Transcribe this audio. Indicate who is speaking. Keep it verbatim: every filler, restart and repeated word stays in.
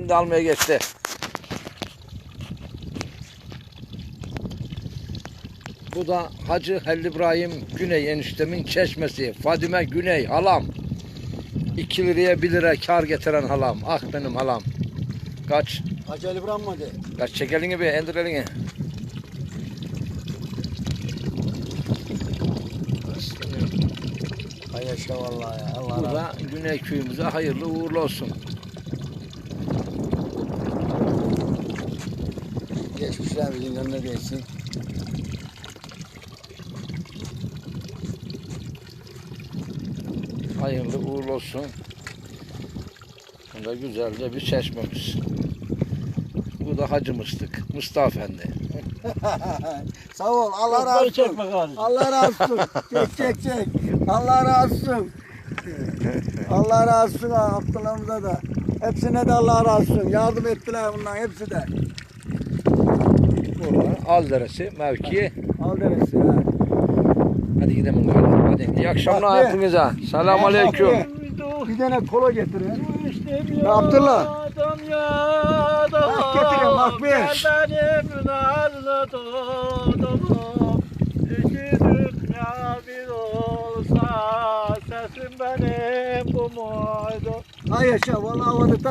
Speaker 1: Şimdi almaya geçti. Bu da Hacı Halil İbrahim Güney eniştemin çeşmesi. Fadime Güney halam. iki liraya bir lira kar getiren halam. Ah benim halam. Kaç.
Speaker 2: Hacı Ali İbrahim mi de?
Speaker 1: Kaç çek elini bir indir elini.
Speaker 2: Hay yaşa vallahi ya. Allah
Speaker 1: Bu
Speaker 2: razı
Speaker 1: da Güney köyümüze hayırlı uğurlu olsun.
Speaker 2: Geçmişler bizim önüne değsin.
Speaker 1: Hayırlı uğurlu olsun. Bu da güzelce bir çeşmemiz. Bu da Hacı Mıstık. Mustafa Efendi.
Speaker 2: Sağ ol. Allah razı olsun. Allah razı olsun. Çek çek çek. Allah razı olsun. Allah razı olsun ha, Abdullah'ımıza da. Hepsine de Allah razı olsun. Yardım ettiler bundan hepsi de.
Speaker 1: Burada Alderesi mevki.
Speaker 2: Al deresi ha.
Speaker 1: Hadi gidelim galiba. Hadi. İyi akşamlar
Speaker 2: Bak be.
Speaker 1: hepinize. Selamun aleyküm.
Speaker 2: Bir tane kola getirin.
Speaker 3: Ya
Speaker 2: Abdullah.
Speaker 3: Adam ya adam.
Speaker 2: Bak getireyim, bak bir.
Speaker 3: Gel benim nazlı dostum. İki dünya bir olsa sesim benim bu muydu?
Speaker 2: Hay yaşa vallahi havada